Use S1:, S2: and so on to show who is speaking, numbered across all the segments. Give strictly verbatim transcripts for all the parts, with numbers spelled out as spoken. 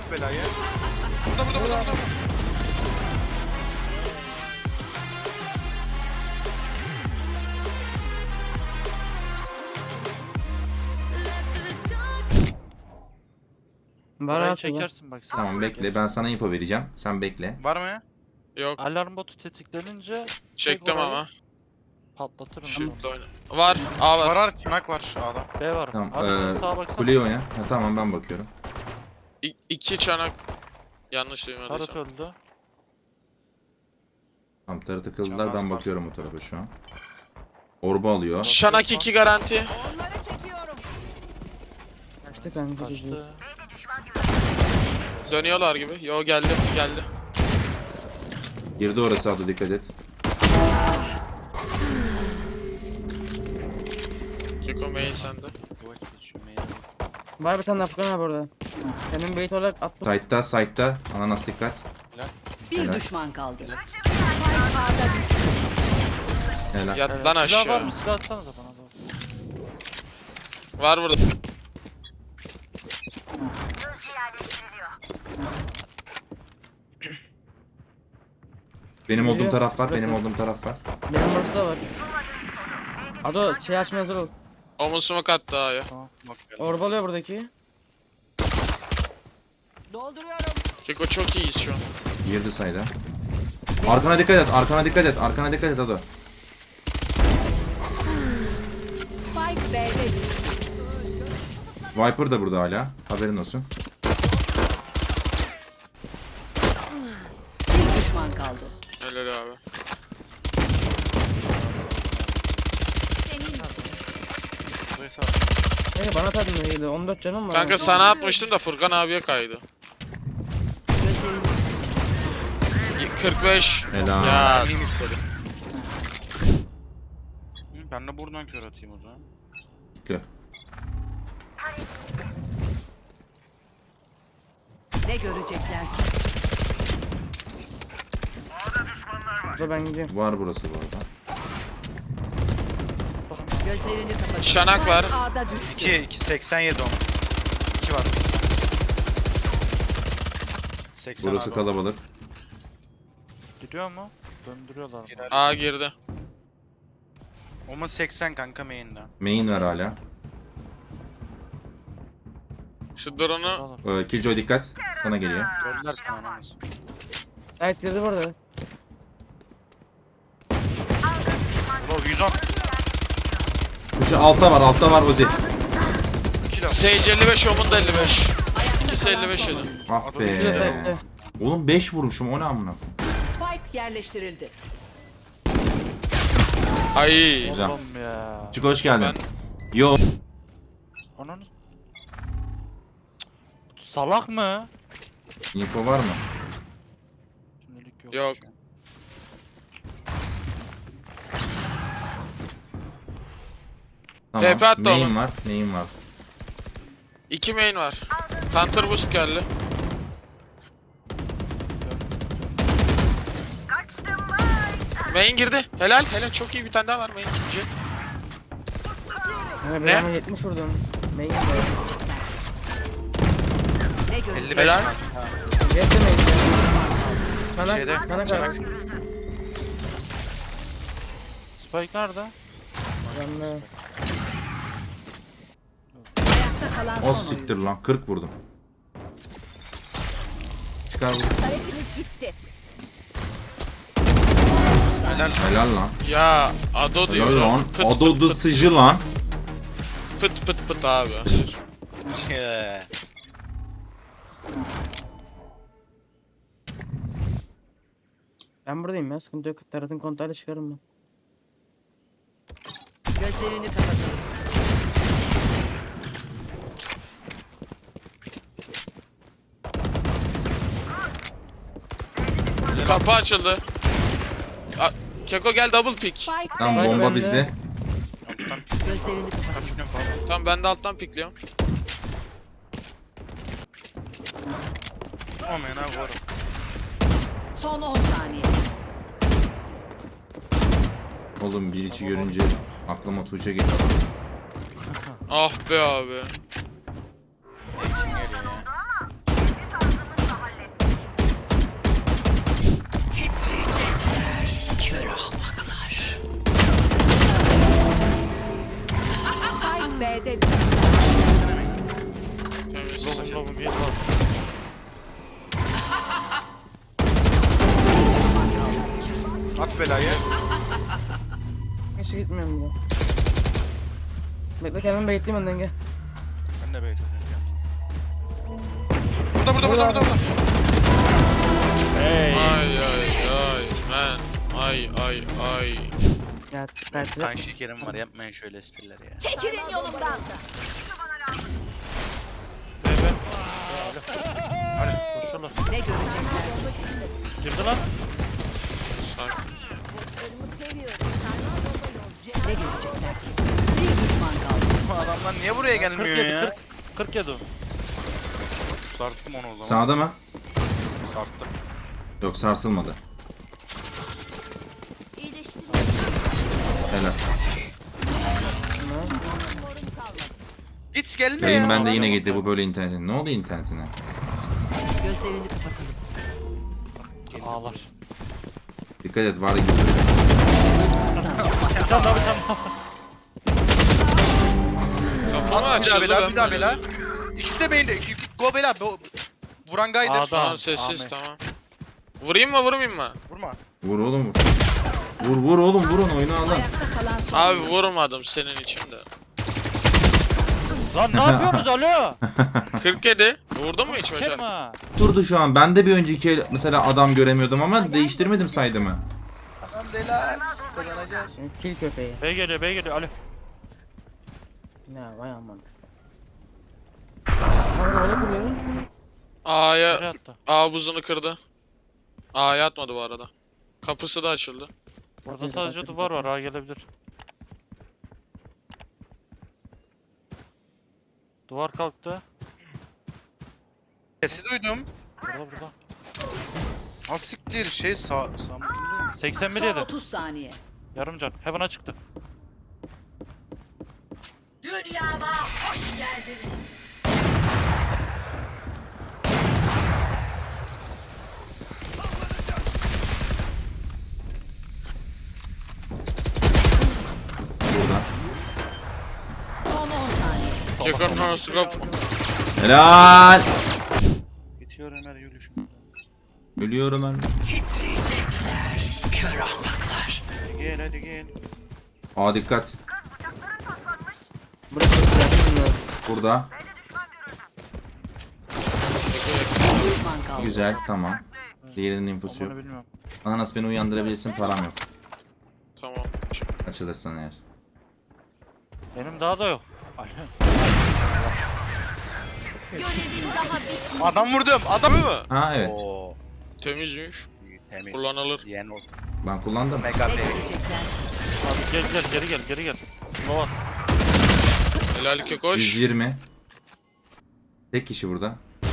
S1: belayı. Burada burada burada burada.
S2: Var
S3: Orayı
S2: abi.
S3: çekersin bak sen.
S4: Tamam bekle, ben sana info vereceğim. Sen bekle.
S1: Var mı?
S5: Yok.
S3: Alarm botu tetiklenince
S5: Çektim
S3: orayı
S5: ama.
S3: patlatırım.
S5: Shift oyna. Var. A
S1: Var
S5: var.
S1: var. Çınak var A'da.
S3: B var.
S4: Tamam,
S3: Abi sen
S4: ee,
S3: sağa baksana.
S4: Kuleyi oyna. Ha, tamam ben bakıyorum.
S5: İ iki çanak. Yanlış
S3: Tarık
S5: duymadıysam.
S3: öldü.
S4: Tam tarı tıkıldılar,
S1: Canlar
S4: ben
S1: sağ
S4: bakıyorum o tarafa şu an. Orba alıyor.
S5: Çanak iki garanti.
S2: Kaçtı kanka.
S3: Kaçtı.
S5: Dönüyorlar gibi. Yo geldi. Geldi.
S4: Girdi orası, abla dikkat et.
S5: Keko main sende.
S2: Var bir tane Afgan abi orada. Senin bait olarak attım.
S4: Side'da, side'da. Ananas dikkat.
S6: Bir
S4: Helal.
S6: düşman kaldı. Spike A'da düştü.
S4: Helal.
S5: Yat
S3: Evet.
S5: lan
S3: Silah var
S5: aşağı.
S3: mı? Silah atsana da bana da.
S5: Var burada.
S4: Benim olduğum
S2: Geliyor.
S4: taraf var, benim
S2: Burası.
S4: olduğum taraf var.
S2: Benim burası da var. Ado şey açmaya hazır ol.
S5: Omuz smoke attı A'ya.
S2: Orbalıyor buradaki.
S6: Dolduruyorum.
S5: Keko çok iyiyiz şu an.
S4: Girdi sayda. Arkana dikkat et, arkana dikkat et, arkana dikkat et Ado.
S6: Spike B'de düştü.
S4: Viper da burada hala. Haberin olsun.
S6: Bir düşman kaldı.
S5: Helal abi.
S2: Hey bana atadın da iyiydi. on dört canım var.
S5: Kanka sana atmıştım da Furkan abiye kaydı.
S6: Gözlerini
S5: kırk beş.
S4: Helal.
S5: Ya
S1: İyi istedim. Ben de buradan kör atayım o zaman.
S4: Bekle.
S6: ne görecekler ki?
S2: Burada ben gidiyorum.
S4: Var burası bu arada.
S6: Gözlerini kapat.
S5: Şanak var.
S6: A'da düştü.
S1: iki iki seksen yedi on. iki var. seksen
S4: Burası
S1: abi.
S4: kalabalık.
S3: Gidiyor mu? Döndürüyorlar. mı?
S1: Girer.
S5: A girdi.
S1: Oma seksen kanka main'de.
S4: Main var hala.
S5: Şu drone'u
S3: Oğlum.
S4: Ee, Killjoy dikkat. Sana geliyor.
S1: Gördüler sana namaz.
S2: Sait girdi burada.
S1: Bro yüz on.
S4: Şu altta var, altta var Ozi.
S1: kilo.
S5: Sage elli beş, Omun da elli beş. İkisi elli beş yedi.
S4: Ah
S2: Şurada Sait'te.
S4: be. Oğlum beş vurmuşum, o ne amına.
S6: Spike yerleştirildi.
S5: Ay.
S4: Güzel.
S3: Oğlum ya.
S4: Çık hoş geldin.
S5: Ben-
S4: Yo.
S3: Ananı. Salak mı?
S4: Info var mı?
S3: Şimdilik yok.
S5: Yok.
S4: Tamam.
S5: T P attı
S4: Main
S5: oğlum.
S4: var, main var.
S5: İki main var. Counter boost geldi. Main girdi. Helal helal çok iyi bir tane daha var main girince.
S2: Yani
S5: Ne?
S2: ben yetmiş vurdum. Main var.
S6: Ne görecekler?
S1: elli beş
S5: Helal.
S1: var.
S2: Yetti main. Sana,
S1: Şeyde,
S2: sana
S1: çanak.
S2: kadar.
S3: Spike nerede?
S2: Ben de.
S6: Ayakta kalan
S4: O
S6: son
S4: siktir
S6: oyuncu.
S4: lan, kırk vurdum. Çıkar vur.
S6: Hareketiniz gitti.
S1: Helal.
S4: Helal lan.
S5: Ya Ado diyor.
S4: Helal lan.
S5: Pıt
S4: Adodu sıcı lan.
S5: pıt pıt pıt abi.
S1: Yeah.
S2: Ben buradayım ya. Sıkıntı yok. Taratın kontağıyla çıkarım ben.
S6: Gözlerini kapatalım.
S5: Kapı açıldı. A Keko gel double pick.
S6: Spike
S4: Lan
S2: Spike
S4: bomba
S2: bende.
S4: bizde.
S1: Alttan
S6: gözlerini kapat.
S1: kaçmıyorum falan.
S5: Tamam ben de alttan pickliyorum.
S1: Aman ha vur.
S6: Son on saniye.
S4: Oğlum bir içi görünce aklıma Tuğçe geldi.
S5: Ah be abi.
S1: Için geliyor ya. bu belayı.
S2: Hiç gitmiyorum burada. Bekle kendimi bekleyeyim önden gel.
S1: Ben de bekliyorum. Burada burada burada burada. burada.
S3: Hey.
S5: Ay ay ay man. Ay ay ay.
S2: Ya tersi.
S1: Kan şekerim var, yapmayın şöyle espriler ya.
S6: Çekilin yolumdan.
S3: Be be. Hadi koşalım.
S6: Ne görecekler?
S3: Girdi lan.
S5: Sak.
S6: Ne görecekler? Bir düşman kaldı.
S1: Bu adamlar niye buraya gelmiyor
S3: kırk yedi
S1: ya?
S3: kırk. kırk yedi o.
S1: Sarstım onu o zaman.
S4: Sağda mı?
S1: Sarstım.
S4: Yok sarsılmadı. Helal.
S1: Git gelme
S4: Yayın
S1: ya.
S4: bende yine gitti bu böyle internetine. Ne oldu internetine?
S6: Gözlerini kapatalım.
S3: Ağlar.
S4: Dikkat et var gibi.
S3: Bir tane daha bir tane daha.
S5: Kapı mı
S1: Bir daha
S5: açıldı
S1: bela,
S5: ben
S1: bir daha
S5: böyle-
S1: bela. İkisi de beyinde. iki- Go bela. Bo- Vuran gaydır.
S3: Adam.
S5: Tamam sessiz
S3: Ahmet.
S5: tamam. Vurayım mı vurmayayım mı?
S1: Vurma.
S4: Vur oğlum vur. Vur vur oğlum vurun oyunu alın.
S6: Ayakta kalan son.
S5: Abi vurmadım senin için de.
S3: Lan ne yapıyorsunuz alo?
S5: kırk yedi. Vurdun mu hiç başar?
S3: Kerma.
S4: Durdu şu an. Ben de bir önceki el- mesela adam göremiyordum ama değiştirmedim saydımı.
S1: Tamam relax. Kazanacağız.
S2: Kil köpeği.
S3: B geliyor B geliyor alo.
S2: Ya vay aman. Abi öyle kuruyor.
S3: Nereye
S5: A'ya
S3: attı?
S5: A buzunu kırdı. A'ya atmadı bu arada. Kapısı da açıldı.
S3: Burada sadece duvar var ha gelebilir. Duvar kalktı.
S1: Sesi duydum.
S3: Burada burada.
S1: Ha siktir şey sağ sağ
S3: seksen bir
S6: Son
S3: yedi.
S6: otuz saniye.
S3: Yarım can. Heaven'a çıktı.
S6: Dünyama hoş geldiniz.
S4: Burada.
S6: Son on saniye.
S5: Jack'ın arası kap.
S4: Helal.
S1: Bitiyor Ömer yürüyüşüm.
S4: Ölüyorum ben.
S1: Gel hadi gel.
S4: Aa dikkat.
S2: Burası yakın.
S4: Burada.
S6: Bir düşman kaldı.
S4: Güzel tamam. Diğerinin infosu yok.
S3: Onu bilmiyorum.
S4: Ananas beni uyandırabilirsin param yok.
S5: Tamam.
S4: Açılırsan eğer.
S3: Benim daha da yok. Alo.
S1: Adam vurdum. Adam
S5: Değil mi?
S4: Ha evet.
S1: Oo.
S5: Temizmiş.
S1: Temiz.
S5: Kullanılır.
S1: Yen o.
S4: Ben kullandım.
S1: Mega
S6: Ne
S1: temiz.
S6: görecekler?
S3: Abi gel gel geri gel geri gel. Lova.
S5: Helal ki koş.
S4: yüz yirmi. Tek kişi burada.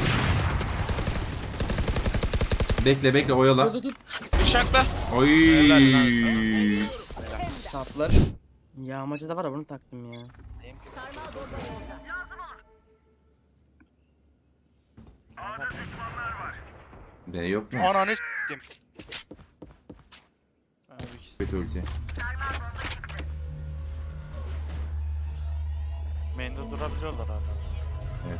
S4: Bekle bekle oyala.
S2: Dur dur dur.
S5: Bıçakla.
S4: Oy.
S5: Helal
S2: Saplar. Yağmacı da var ya bunu taktım ya.
S4: B yok mu?
S1: Ananı s**tim.
S3: Abi ikisi.
S4: Kötü ulti.
S3: Main'de durabiliyorlar hala.
S4: Evet.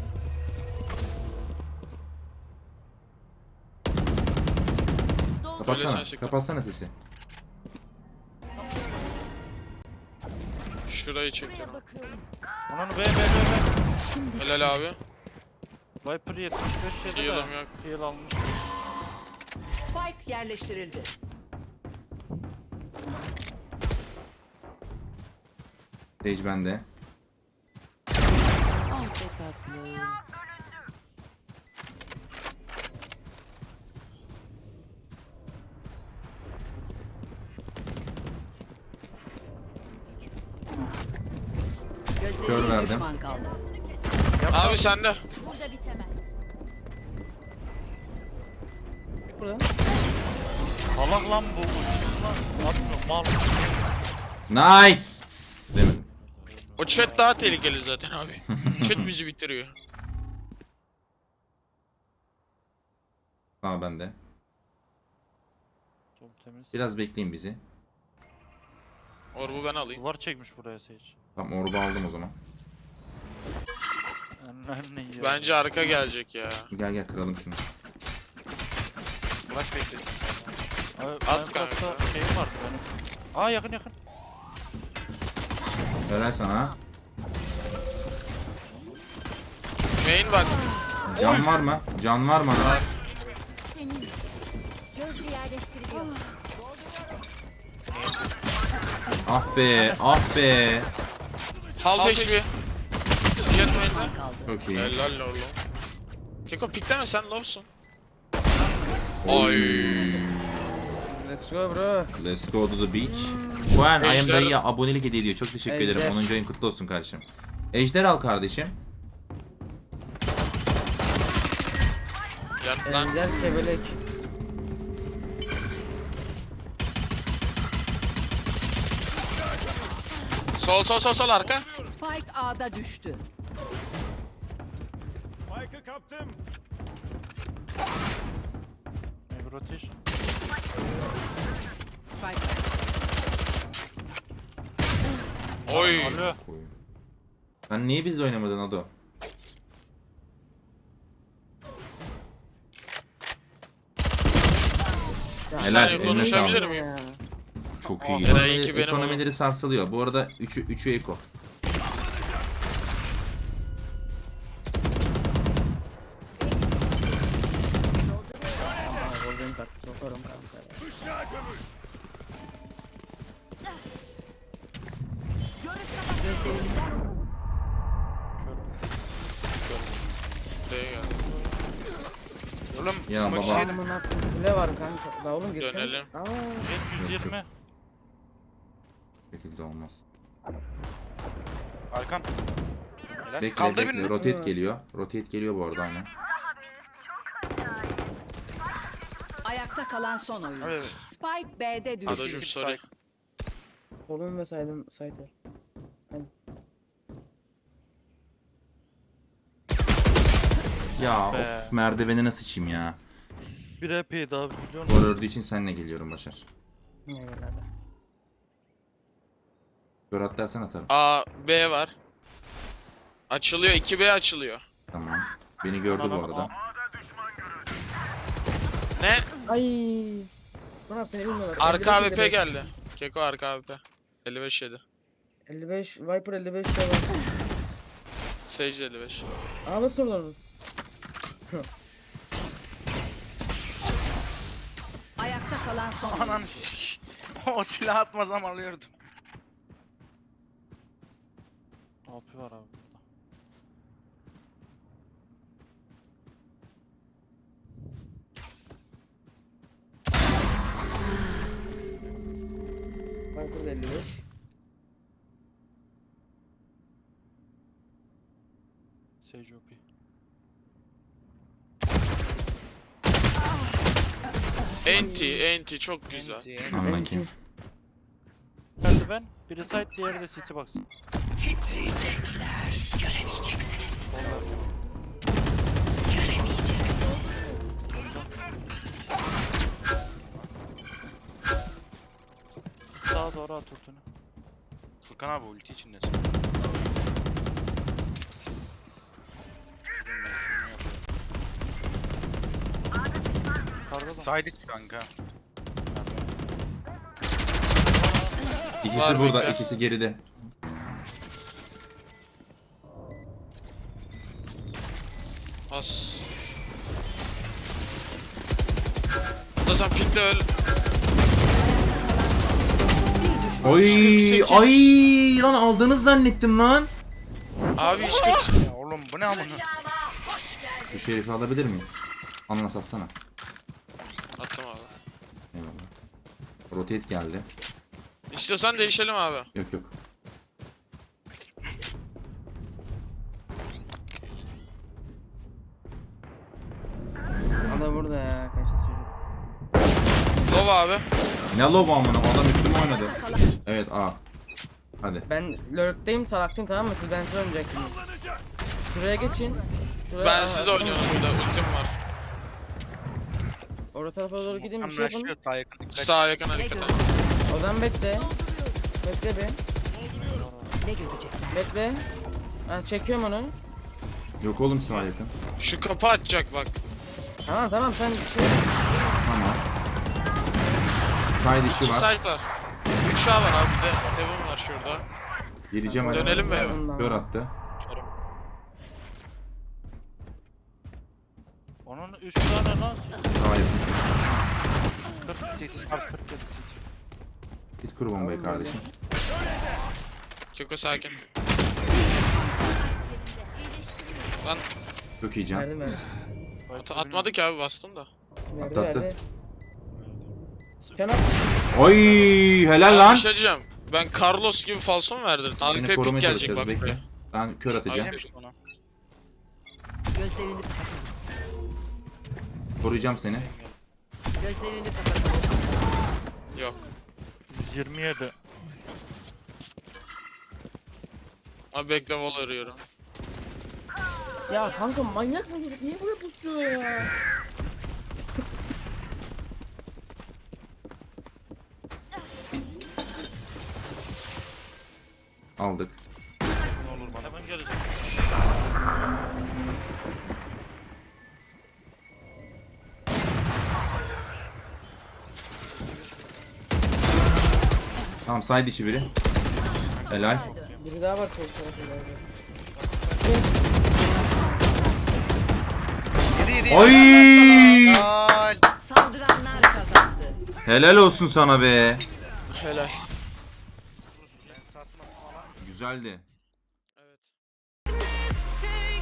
S5: Öyle
S4: Kapatsana.
S5: sen çıktın.
S4: Kapatsana sesi.
S5: Şurayı çekiyorum.
S3: Onun B B B B.
S5: Helal abi.
S3: Viper yetmiş beş yedi de.
S5: Heal'ım yok.
S3: Heal almış.
S6: Spike yerleştirildi.
S4: Stage bende.
S6: Ah be tatlı.
S4: Kör
S6: Gözlerine bir
S4: verdim.
S6: düşman kaldı.
S5: Abi sende.
S6: Burada bitemez.
S2: Burada.
S3: Salak lan bu. Kim lan? Atmıyor mal.
S4: Nice. Demedim.
S5: O chat daha tehlikeli zaten abi. Chat bizi bitiriyor.
S4: Tamam bende.
S3: Çok temiz.
S4: Biraz bekleyin bizi.
S5: Orbu ben alayım.
S3: Duvar çekmiş buraya Sage.
S4: Tamam orba aldım o zaman.
S3: Anne ya.
S5: Bence arka gelecek ya.
S4: Gel gel kıralım şunu.
S1: Flash bekledim.
S5: At kanka.
S3: Minecraft'ta şeyim vardı benim. Aa yakın yakın.
S4: Helal sana.
S5: Main var.
S4: Can var mı? Can var mı?
S5: Var.
S6: Senin için. Gözlü yerleştiriliyor.
S4: Ah be, ah be.
S5: Half H P. Jet main'de.
S6: Kaldı.
S4: Çok iyi.
S5: Helal oğlum. Keko pikleme sen low'sun.
S4: Oy.
S2: Let's go bro.
S4: Let's go to the beach. Juan, I am
S5: Ejder-
S4: dayıya abonelik hediye ediyor. Çok teşekkür
S2: Ejder.
S4: ederim. onuncu ayın kutlu olsun kardeşim. Ejder al kardeşim.
S5: Yat lan.
S2: Ender kebelek.
S5: Sol sol sol sol arka.
S6: Spike A'da düştü.
S3: Maybe rotation.
S6: Spike.
S5: Oy.
S3: Alo.
S4: Sen niye bizle oynamadın Ado?
S5: Bir
S4: Helal,
S5: saniye
S4: eline
S5: konuşabilir
S4: sağlık.
S5: miyim?
S2: Ya.
S4: Çok
S5: Oh,
S4: iyi.
S5: Eray
S4: Ekonomi-
S5: iki benim
S4: ekonomileri sarsılıyor. Bu arada üçü üçü eko.
S2: Ama golden taktı sokarım kanka ya.
S6: Gözlerini
S5: D'ye geldi.
S1: Oğlum
S4: Ya
S1: smoke
S4: baba.
S1: yedim.
S2: Amına koyayım, kule var kanka. La oğlum girsene.
S5: Dönelim.
S2: Aa.
S3: Jet yüz yirmi.
S4: Bu şekilde olmaz.
S1: Arkan.
S4: Bekle,
S1: Kaldır
S4: bekle.
S1: birini.
S4: Rotate geliyor. Rotate geliyor bu arada aynen.
S6: ayakta kalan son oyun.
S1: Evet.
S6: Spike B'de düştü.
S5: Adocum sorry.
S2: Solun ve saydım saydı.
S4: Ya
S3: Be.
S4: of merdiveni nasıl sıçayım ya.
S3: Bir E P'ydi abi biliyor musun?
S4: Gol ördüğü için seninle geliyorum Başar.
S2: Ne böyle?
S4: Gör at dersen atarım.
S5: A, B var. Açılıyor. iki B açılıyor.
S4: Tamam. Beni gördü bu arada.
S5: Ne?
S2: Ay. Murat seni bilmiyorlar.
S5: Arka A W P
S2: elli beş,
S5: geldi. Keko arka A W P. elli beş yedi.
S2: elli beş Viper elli beş de var.
S5: Sage elli beş.
S2: Aa nasıl olur?
S6: Ayakta kalan son oyun.
S1: Ananı sik. O silah atmazsam alıyordum.
S3: A P var abi burada.
S2: Viper de elli beş.
S3: Sage O P.
S5: Enti, enti çok güzel.
S1: Enti, enti.
S4: Anla kim?
S3: Geldi ben. Biri side diğeri de city box. Sağa doğru at ultunu.
S1: Furkan abi ulti içindesin.
S3: Yukarıda da.
S1: Side iç kanka.
S4: İkisi
S5: Var
S4: burada,
S5: bekle.
S4: ikisi geride.
S5: As. Da sen pikle öl.
S4: Oy,
S5: yüz kırk sekiz.
S4: ay lan aldığınız zannettim lan.
S5: Abi yüz kırk sekiz.
S1: Ya oğlum bu ne amına?
S4: Şu şerifi alabilir miyim? Anla satsana.
S5: Attım abi.
S4: Eyvallah. Rotate geldi.
S5: İstiyorsan değişelim abi.
S4: Yok yok.
S2: Ada burada ya kaçtı çocuk.
S5: Lova abi.
S4: Ne lobo amına adam üstüme oynadı. Evet A. Hadi.
S2: Ben lurkteyim salaktayım tamam mı? Siz ben size oynayacaksınız. Şuraya geçin. Şuraya,
S5: Ben
S2: Aa,
S5: siz
S2: tamam.
S5: oynuyorum burada. Ultim var.
S2: Orta tarafa doğru gideyim bir şey yapın.
S1: Anlaşıyor sağ yakın. Dikkat.
S5: Sağ yakın hareket et.
S2: Odan bekle. Bekle be.
S6: Ne görecekler?
S2: Bekle. Ha, çekiyorum onu.
S4: Yok oğlum sağ yakın.
S5: Şu kapı açacak bak.
S2: Tamam tamam sen şey...
S4: Tamam. Side
S5: İki
S4: işi var.
S5: side var. üç A var abi, bir de Heaven var şurada.
S4: Gireceğim hadi.
S5: Dönelim mi eve?
S2: Ondan.
S4: Kör attı.
S3: Onun üç tane lan.
S4: Sağ yapın.
S3: kırk C T Stars kırk yedi.
S4: Git kur bombayı kardeşim.
S5: Keko sakin. Lan
S4: Çok iyi can.
S2: Verdim verdim.
S5: at atmadı ki abi, bastım da.
S2: Verdi
S4: Atlattı.
S2: verdi. Kenan.
S4: Oy helal
S5: Ben
S4: lan.
S5: bir şey diyeceğim. Ben Carlos gibi falso mu verdirdin? A
S4: Seni
S5: P
S4: korumaya
S5: pick gelecek
S4: çalışacağız
S5: bak
S4: bekle.
S5: buraya.
S4: Ben kör atacağım.
S5: Aynen.
S3: Ona.
S6: Gözlerini kapatalım.
S4: Koruyacağım seni.
S6: Gözlerini kapatalım.
S5: Yok.
S3: yüz yirmi yedi.
S5: Abi bekle, wall arıyorum.
S2: Ya kanka manyak mı çocuk? Niye buraya pusuyor ya?
S4: Aldık.
S3: Ne olur bana. Hemen gelecek.
S4: Tamam side içi biri. Helal.
S2: Biri daha var sol tarafında.
S1: Yedi yedi.
S4: Oy!
S1: Helal.
S6: Saldıranlar kazandı.
S4: Helal olsun sana be.
S5: Helal.
S4: Güzeldi.
S5: Evet.